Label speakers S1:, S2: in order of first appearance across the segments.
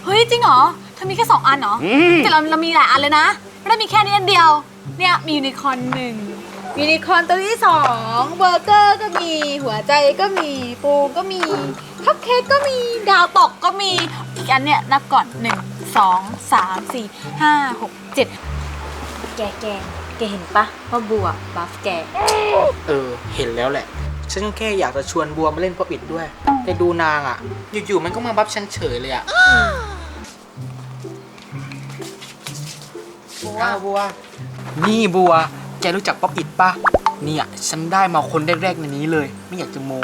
S1: เฮ้ยจริงเหรอเธอมีแค่2 อันเหรอแต่เรามีหลายอันเลยนะไม่ได้มีแค่นี้อันเดียวเนี่ยมียูนิคอร์น1ยูนิคอร์นตัวที่2เบอร์เกอร์ก็มีหัวใจก็มีปูก็มีคัพเค้กก็มีดาวตกก็มีอีกอันเนี่ยนับก่อน1 2 3 4 5 6 7
S2: แกเห็นปะว่าบัวบัฟแก
S3: เห็นแล้วแหละฉันแค่อยากจะชวนบัวมาเล่นป๊อปอิทด้วยแต่ดูนางอ่ะอยู่ๆมันก็มาบัฟฉันเฉยเลยอ่ะบัวนี่บัวแกรู้จักป๊อปอิทปะเนี่ยฉันได้มาคนแรกๆในนี้เลยไม่อยากจะโม้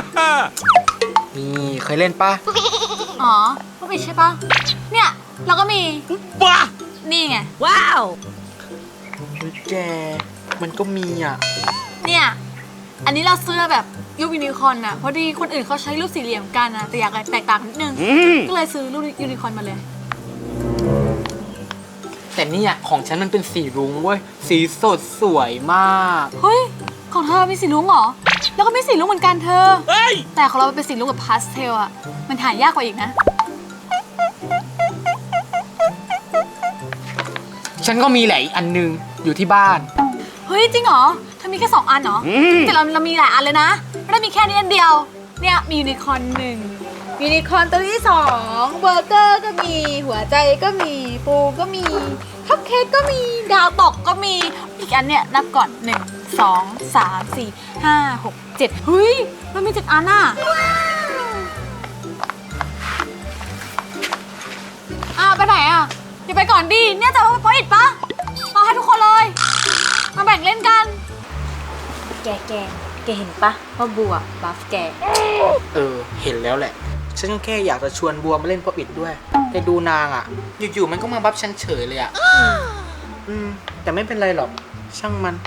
S3: นี่เคยเล่นปะ
S1: อ๋อพวกพี่ใช่ปะเนี่ยเราก็มีว้านี่ไงว้าว
S3: แกมันก็มีอ่ะ
S1: เนี่ยอันนี้เราซื้อแบบรูปยูนิคอร์นอ่ะพอดีคนอื่นเขาใช้รูปสี่เหลี่ยมกันนะแต่อยากแตกต่างนิดนึงก็เลยซื้อรูปยูนิคอร์นมาเลย
S3: แต่เนี่ยของฉันมันเป็นสีรุ้งเว้ยสีสดสวยมาก
S1: เฮ้ยของเธอมีสีรุ้งเหรอแล้วก็มีสีรุ้งเหมือนกันเธอแต่ของเราเป็นสีรุ้งแบบพาสเทลอ่ะมันหายากกว่าอีกนะ
S3: ฉันก็มีแหละอีกอันนึงอยู่ที่บ้าน
S1: เฮ้ยจริงเหรอเธอมีแค่2 อันเหรอแต่เรามีหลายอันเลยนะไม่ได้มีแค่นี้อันเดียวเนี่ยมียูนิคอร์น1ยูนิคอร์นตัวที่2เบอร์เกอร์ก็มีหัวใจก็มีปูก็มีคัพเค้กก็มีดาวตกก็มีอีกอันเนี่ยนับก่อน1 2 3 4 5 6 7เฮ้ยมันมี7 อันน่ะไปไหนอ่ะอย่าไปก่อนดิเนี่ยจะไปอิดปะมาให้ทุกคนเลยมาแบ่งเล่นกัน
S2: แกเห็นปะว่าบัวบัฟแก
S3: เห็นแล้วแหละฉันแค่อยากจะชวนบัวมาเล่นป๊อปอิทด้วยแต่ดูนางอ่ะอยู่ๆมันก็มาบัฟฉันเฉยเลยอ่ะแต่ไม่เป็นไรหรอกช่างมัน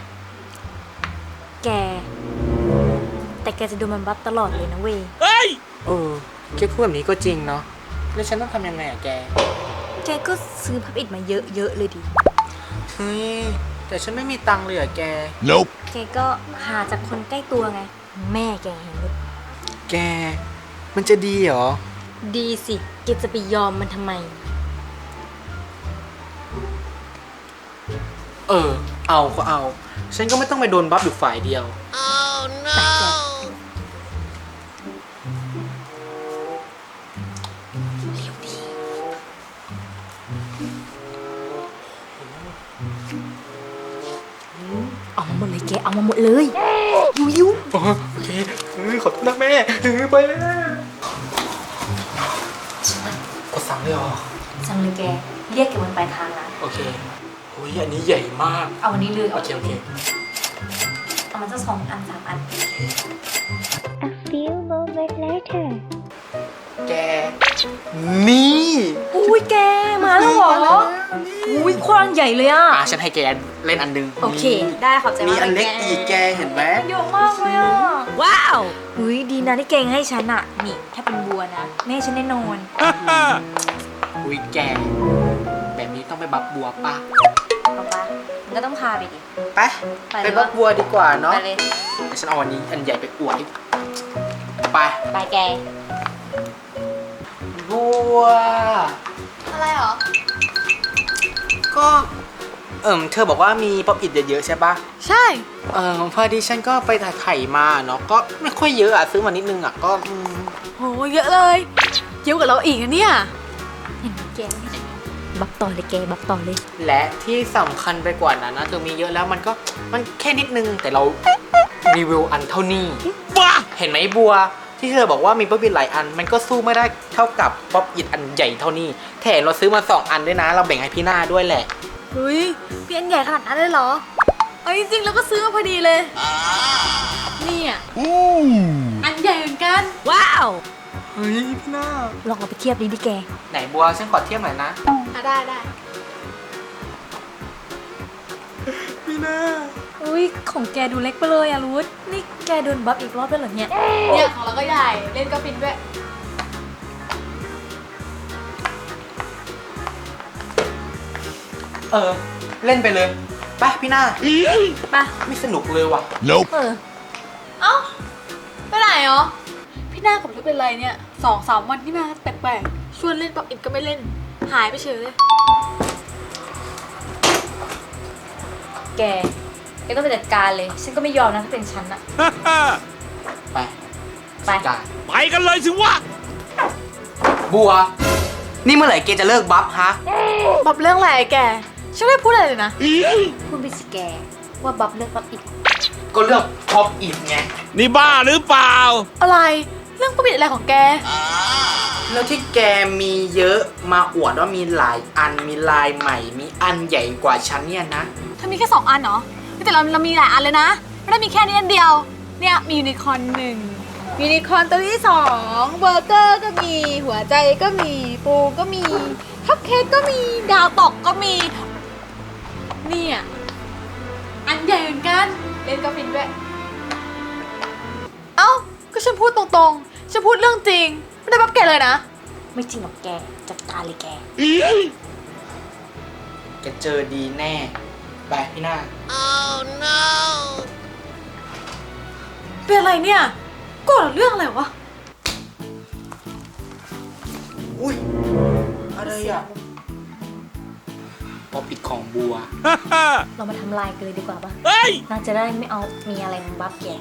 S2: แต่แกจะดูมันบัฟตลอดเลยนะเว้ย
S3: แกพูดแบบนี้ก็จริงเนาะแล้วฉันต้องทำยังไงอ่ะแก
S2: ก็ซื้อพับอิดมาเยอะเลยดิ
S3: เฮ้ยแต่ฉันไม่มีตังค์เลยอ่ะแก
S4: Nope
S2: แกก็หาจากคนใกล้ตัวไงแม่แกเห็นไหม
S3: แกมันจะดีเหรอ
S2: ดีสิแกจะไปยอมมันทำไม
S3: เอาก็เอาฉันก็ไม่ต้องไปโดนบัฟอยู่ฝ่ายเดียว
S4: Oh no
S2: เอามาหมดเลยแกเอามาหมดเลยยิ้ว
S3: โอเคขอโทษนะแม่ไปแล้วกดสั่งเลยเหรอ
S2: สั่งเลยแกเรียกแกบนปลายทางนะ
S3: โอเคโอ้ยอันนี้ใหญ่มาก
S2: เอาอันนี้เลย
S3: โอเค
S2: เอามันจะ2 อัน 3 อัน
S5: A few moments later
S3: แกนี่
S2: อุ้ยแกมาแล้วเหรออุ้ยควานใหญ่เลยอ่ะ
S3: ฉันให้แกเล่นอันนึง
S2: โอเคได้ขอบใจมาก
S3: มีอันเล็กอีกแกเห็นไหม
S2: เยอะมากเลยอ่ะว้าวอุ้ยดีนะที่แกให้ฉันอ่ะนี่ถ้าเป็นบัวนะแม่ฉันแน่นอน
S3: อุ้ยแกแบบนี้ต้องไปบัฟบัวป่ะ
S2: มันก็ต้องพาไปดิ
S3: ไปบัฟบัวดีกว่าเนาะ
S2: ไปเลย
S3: ฉันเอาอันนี้อันใหญ่ไปอวดไป
S2: แก
S3: บัว
S1: อะไรหรอ
S3: ก็เธอบอกว่ามีป๊อปอิทเยอะๆใช่ปะ
S1: ใช่
S3: พอดีฉันก็ไปถ่ายมาเนาะก็ไม่ค่อยเยอะอ่ะซื้อมานิดนึงอ่ะก็
S1: โหเยอะเลยเยอะกว่าเราอีกนะเนี่ย
S2: เห็นแกบัฟต่อเลยแกบัฟต่อเลย
S3: และที่สำคัญไปกว่านั้นนะเธอมีเยอะแล้วมันแค่นิดนึงแต่เรารีวิวอันเท่านี้เห็นไหมบัวที่เธอบอกว่ามีป๊อปอิทหลายอันมันก็สู้ไม่ได้เท่ากับป๊อปอิทอันใหญ่เท่านี้แถมเราซื้อมา2 อันด้วยนะเราแบ่งให้พี่หน้าด้วยแหละ
S1: เฮ้ยพี่อันใหญ่ขนาดนั้นเลยเหรอจริงๆแล้วก็ซื้อมาพอดีเลยนี่อ่ะอันใหญ่เหมือนกัน
S2: ว้าว
S3: เฮ้ยพี่หน้า
S2: ลองเอาไปเทียบดิแก
S3: ไหนบัวฉันขอเทียบหน่อยนะ
S1: ได้
S3: พี่หน้า
S2: อุ้ยของแกดูเล็กไปเลยอะรุธนี่แกโดนบัฟอีกรอบแล้วเหรอเนี่ย
S1: ของเราก็ใหญ่เล่นก็ฟินด้วย
S3: เล่นไปเลยไปพี่หน้า
S2: ไป
S3: ไม่สนุกเลยว่ะ
S4: Nope
S1: ไปไหนพี่หน้ากับลูกเป็นไรเนี่ย2-3 วันที่มาแปลกๆวนเล่นป๊อปอินก็ไม่เล่น หายไปเฉยเลย
S2: แกต้องไปจัดการเลย ฉันก็ไม่ยอมนะถ้าเป็นฉันอะ
S3: ไป
S2: ไป
S3: จัดการ
S4: ไปกันเลยสิวะ
S3: บัว นี่เมื่อไหร่แกจะเลิกบัฟฮะ
S1: บับเรื่องอะไรแก ฉันไม่ได้พูดอะไรเลยนะ
S2: พูดไปสิแกว่าบับเลือกบับอีก
S3: ก็เรื่องท็อปอินไง
S4: นี่บ้าหรือเปล่า
S1: อะไร เรื่องป๊อปอินอะไรของแก
S3: แล้วที่แกมีเยอะมาอวดว่ามีหลายอันมีลายใหม่ มีอันใหญ่กว่าฉันเนี่ยนะ
S1: เธอมีแค่2 อันเหรอ แต่เรามีหลายอันเลยนะ ไม่ได้มีแค่นี้อันเดียว เนี่ยมียูนิคอร์น1ยูนิคอร์นตัวที่2เบอร์เกอร์ก็มี หัวใจก็มี ปูก็มีคัพเค้กก็มี ดาวตกก็มี เนี่ยอันใหญ่เหมือนกัน เล่นก็ฟินด้วย เอ้า ก็ฉันพูดตรงๆ ฉันพูดเรื่องจริง ไม่ได้บับแกเลยนะ
S2: ไม่จริงหรอกแกจัดการเลยแก
S3: แกเจอดีแน่ ไปพี่หน้า
S1: เป็นอะไรเนี่ยโกรธเรื่องอะไรวะ
S3: อุ้ย อะไรอ่ะป๊อปอิดของบัว
S2: เรามาทำลายกันเลยดีกว่าปะ
S4: เฮ้ย
S2: นางจะได้ไม่เอามีอะไรมาบับแก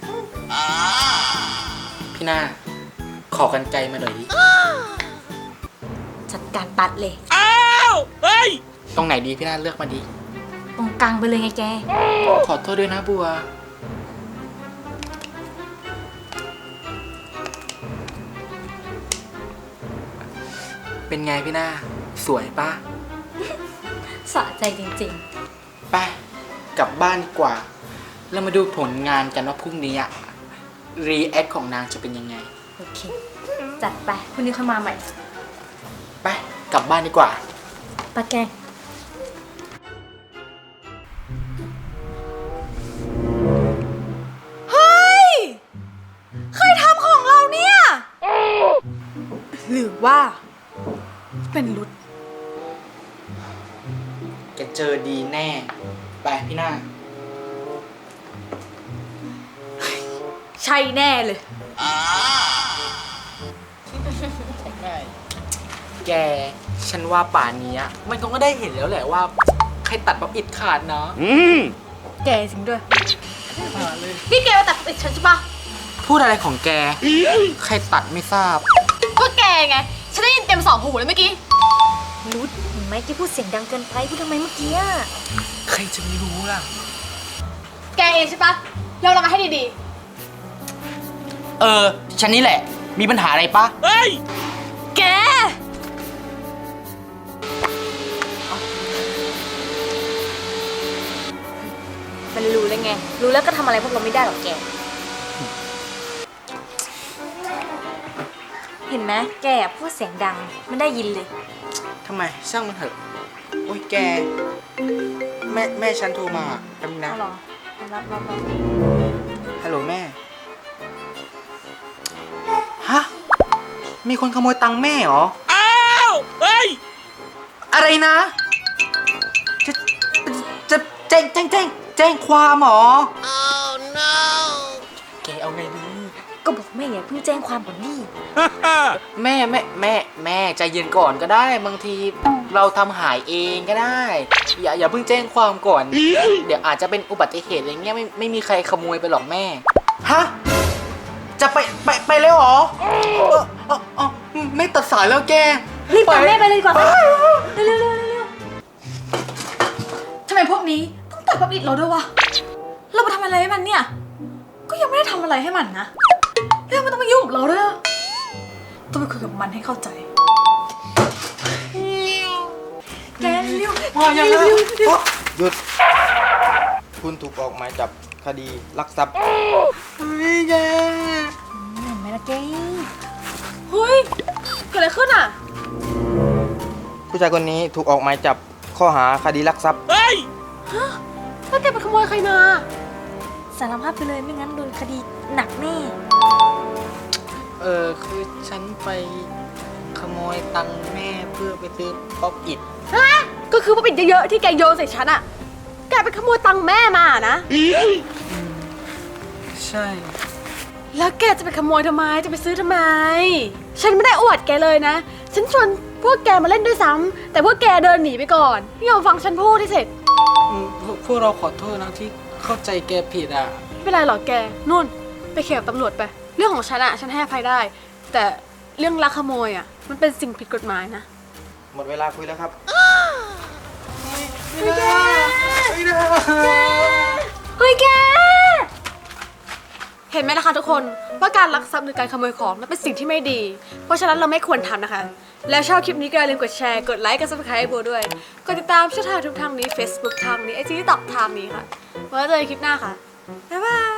S3: พี่หน้า ขอกันไกลมาหน่อยดิ
S2: จัดการตัดเลย
S4: อ้าวเฮ้ย
S3: ตรงไหนดีพี่หน้าเลือกมาดี
S2: ตรงกลางไปเลยไงแก
S3: ขอโทษด้วยนะบัว เป็นไงพี่หน้า สวยปะ
S2: สะใจจริง
S3: ไปกลับบ้านดีกว่า แล้วมาดูผลงานกันว่าพรุ่งนี้อะรีแอคของนางจะเป็นยังไง
S2: ๆ โอเค จัดไปพรุ่งนี้ค่อยมาใหม่
S3: ไปกลับบ้านดีกว่า
S2: ปะแก
S1: เฮ้ย ใครทำของเราเนี่ย หรือว่า เป็นรุด
S3: แกเจอดีแน่ ไปพี่หน้า
S1: ใช่แน่เลย
S3: แก ฉันว่าป่านนี้อะมันคงก็ได้เห็นแล้วแหละว่า ใครตัดป๊อปอิดขาดเนาะ
S1: แกจริงด้วย นี่แกมาตัดติดฉันใช่ปะ
S3: พูดอะไรของแก ใครตัดไม่ทราบ
S1: ก็แกไง ฉันได้ยินเต็ม2 หูเลยเมื่อกี้
S2: รุดเห็นไหมแกพูดเสียงดังเกินไปพูดทำไมเมื่อกี้อะ
S3: ใครจะไม่รู้ล่ะ
S1: แกเองใช่ปะยอมรับมาให้ดี
S3: ฉันนี่แหละ มีปัญหาอะไรปะ
S4: เฮ้ย
S1: ๆ แก
S2: มันรู้แล้วไง รู้แล้วก็ทำอะไรพวกเราไม่ได้หรอกแก เห็นไหมแกอะพูดเสียงดังไม่ได้ยินเลย
S3: ทำไม ช่างมันเถอะ โอ้ยแก แม่ฉันโทรมาแป๊บนึงนะ
S2: เอาเหรอรับ
S3: ฮัลโหลแม่ ฮะ มีคนขโมยตังค์แม่เหรอ
S4: อ้าวเฮ้ย
S3: อะไรนะ จะแจ้งความเหรอ แกเอาไงดี
S2: ก็บอกแม่อย่าเพิ่งแจ้งความก่อนนี่
S3: แม่ใจเย็นก่อนก็ได้ บางทีเราทำหายเองก็ได้ อย่าเพิ่งแจ้งความก่อน เดี๋ยวอาจจะเป็นอุบัติเหตุอะไรเงี้ยไม่มีใครขโมยไปหรอกแม่ ฮะ จะไปเลยเหรอไม่ตัดสายแล้วแก
S2: รีบตามแม่ไปเลยดีกว่าเร็ว
S1: ทำไมพวกนี้ต้องตัดป๊อปอิดเราด้วยวะ เราไปทำอะไรให้มันเนี่ย ก็ยังไม่ได้ทำอะไรให้มันนะแล้วมันต้องมายุ่งกับเราด้วยอะต้องไปคุยกับมันให้เข้าใจ แกเร็ว
S3: ว่ายังไง
S6: หยุด คุณถูกออกหมายจับคดีลักทรัพย์
S3: เฮ้ยแก
S2: เห็นไหมล่ะแก
S1: เฮ้ย เกิดอะไรขึ้นอ่ะ
S6: ผู้ชายคนนี้ถูกออกหมายจับข้อหาคดีลักทรัพย์
S4: เฮ้ย
S1: แล้วแกไปขโมยใครมา
S2: สารภาพไปเลยไม่งั้นโดนคดีหนักแน่
S3: คือฉันไปขโมยตังค์แม่เพื่อไปซื้อป๊อปอิด
S1: ก็คือป๊อปอิดเยอะๆที่แกโยนใส่ฉันอ่ะ แกไปขโมยตังค์แม่มานะ
S3: ใช่
S1: แล้วแกจะไปขโมยทำไม จะไปซื้อทำไม ฉันไม่ได้อวดแกเลยนะฉันชวนพวกแกมาเล่นด้วยซ้ำแต่พวกแกเดินหนีไปก่อนไม่ยอมฟังฉันพูดที่เสร็จ
S3: พวกเราขอโทษนะที่เข้าใจแกผิดอ่ะ
S1: ไม่เป็นไรหรอกแกนู่นไปเคลียร์กับตำรวจไป เรื่องของฉันอะฉันให้อภัยได้ แต่เรื่องลักขโมยอะมันเป็นสิ่งผิดกฎหมายนะ
S6: หมดเวลาคุยแล้วครับ
S3: ไม่ได้
S1: เฮ้ยแก เห็นไหมนะคะทุกคนว่าการลักทรัพย์หรือการขโมยของมันเป็นสิ่งที่ไม่ดี เพราะฉะนั้นเราไม่ควรทำนะคะ แล้วชอบคลิปนี้ก็อย่าลืมกดแชร์กดไลค์กด subscribe ให้โบด้วยกดติดตามช่องทางทุกทางนี้ Facebook ทางนี้ IG TikTok ทางนี้ค่ะไว้เจอกันคลิปหน้าค่ะบ๊ายบาย